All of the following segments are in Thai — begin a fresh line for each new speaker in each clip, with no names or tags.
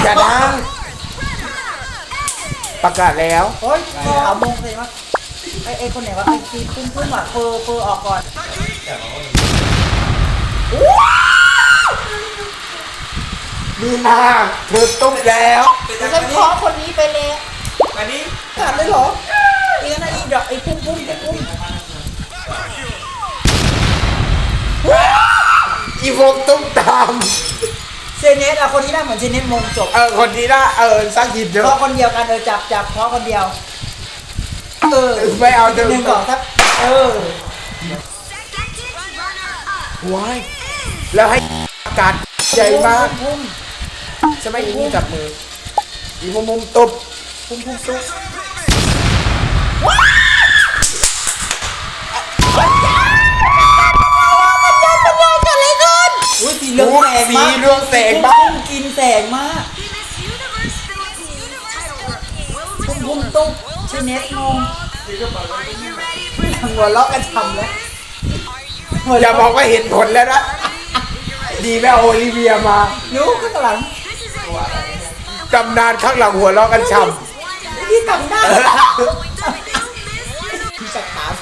อย่าดังประกาศแล้ว
โอ๊ยเอามงเลยมั้งไอ้คนไหนวะไอ้ทีพุ่มอ่ะเฟอร์ออกก่อน
มีนาเธอตุ๊บแล้ว
ฉันขอคนนี้ไปเลย
อันนี้
ขาดเลยเหรออีกนั่นอีดอกไอ้พุ่ม
อีโฟกตุ๊บตาม
เซเนสอะคนที่ได้เหมือนเซเนสมงจบ
คนที่น่าสร้างหินเย
เพ
อะ
ราะคนเดียวกันจับเพราะคนเดียว
ไม่เอา
หนึ่งสองครับ
ว้ายแล้วให้อากาศใหญ่มากใช่ไหมอีนี่จับมืออีมุมตุ๊บ
พุ่มตุ๊กอุ้ยสีเหลืองแสงมาก
สีเรืองแสงมาก
กินแสงมากพุ่มตุ๊กเซเนสมงหัวเราะกันทำแล้ว
อย่าบอกว่าเห็นผลแล้วนะดีแม่โอลิเวียมา
รู้ข้างหลัง
ตำนานข้างหลังหัวเราะกันช่
ที่ทำได้จับขาใส่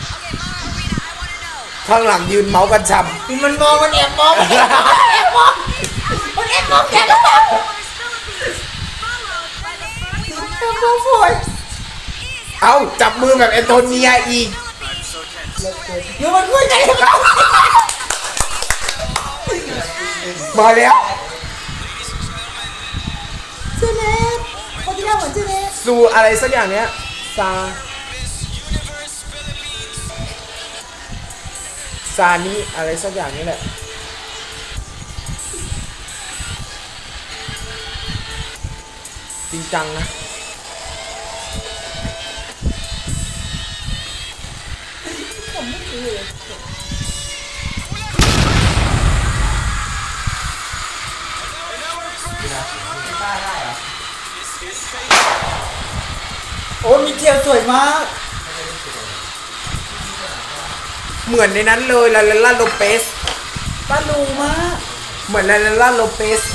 ำข้างหลังยืนเมาส์กันช่
มันมองมันแอบมองมันแอบมองแกก็แบบโวย
ำเอาจับมือแบบแอนโทเนียอีก
อยู่มันคุยกัน
มาแล้ว
เจเนสคนที่ได้เหมือนเจเนส
ซูอะไรสักอย่างเนี้ยซานี่อะไรสักอย่างนี้แหละจริงจังนะ
โอ้มีเทียวสวยมาก
เหมือนในนั้นเลยลาลาลาโลเปส
ปลาลูมาก
เหมือนลาลาลาโลเปส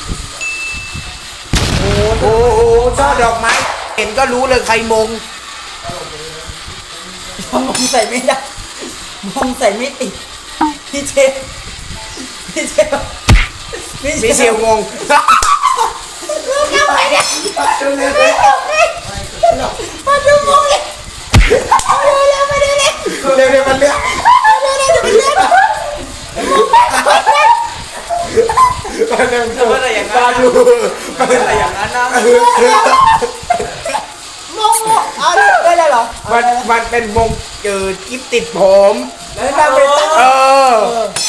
โอ้โหช่อดอกไม้เห็นก็รู้เลยใครมง
มองใส่ไม่ได้มองใส่ไม่ติดพี่เชฟ
มิเชลงง
ทำไมเนี่ยมาดูมองเลยมาดูเลย
เร็วๆมันเลือกมันเร็ว
เมื่อไรอย่างนั้น
ดู
เมื่อไรอย่างนั้นนะ
มองเอาได้เลยเหรอ
มันเป็นวงกิฟติดผม
แล้วเราไปตั้ง